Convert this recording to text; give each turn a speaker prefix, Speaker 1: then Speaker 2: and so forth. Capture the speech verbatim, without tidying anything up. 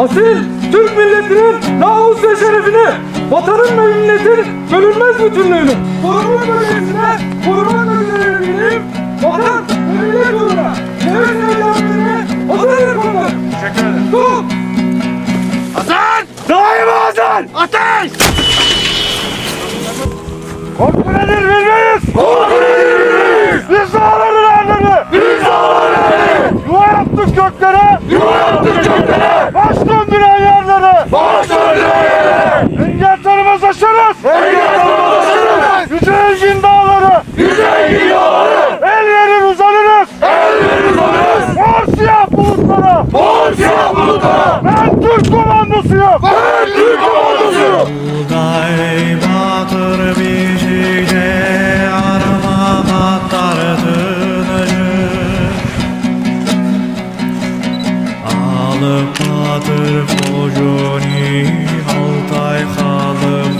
Speaker 1: Asil Türk milletinin namus ve şerefini, vatanın ve milletin bölünmez bütünlüğünü koruma bölgesine korumakla görevliyim. Vatan ve millet uğruna nefes eylemlerine hazırdır komutanım.
Speaker 2: Teşekkür ederim.
Speaker 1: Dur!
Speaker 2: Hasan!
Speaker 1: Daima hazır!
Speaker 2: Ateş!
Speaker 1: Korku nedir bilmeyiz!
Speaker 2: Korku nedir bilmeyiz!
Speaker 1: Biz dağların erdemi!
Speaker 2: Biz dağların erdemi!
Speaker 1: Yuva yaptık göklere!
Speaker 2: Yuva yaptık göklere!
Speaker 1: Baş döndüren yerlere!
Speaker 2: Baş döndüren yerlere!
Speaker 1: Engel tanımaz aşarız!
Speaker 2: Engel tanımaz aşarız!
Speaker 1: Yüce Engin dağları!
Speaker 2: Yüce Engin dağları!
Speaker 1: El verir uzanırız!
Speaker 2: El verir uzanırız!
Speaker 1: Mor siyah bulutlara!
Speaker 2: Mor siyah bulutlara!
Speaker 1: Ben Türk komandosuyum!
Speaker 2: Ben Türk komandosuyum!
Speaker 3: Buğday batır biçikçe arama katlar tınıcı Alıp batır kocuni Altay halı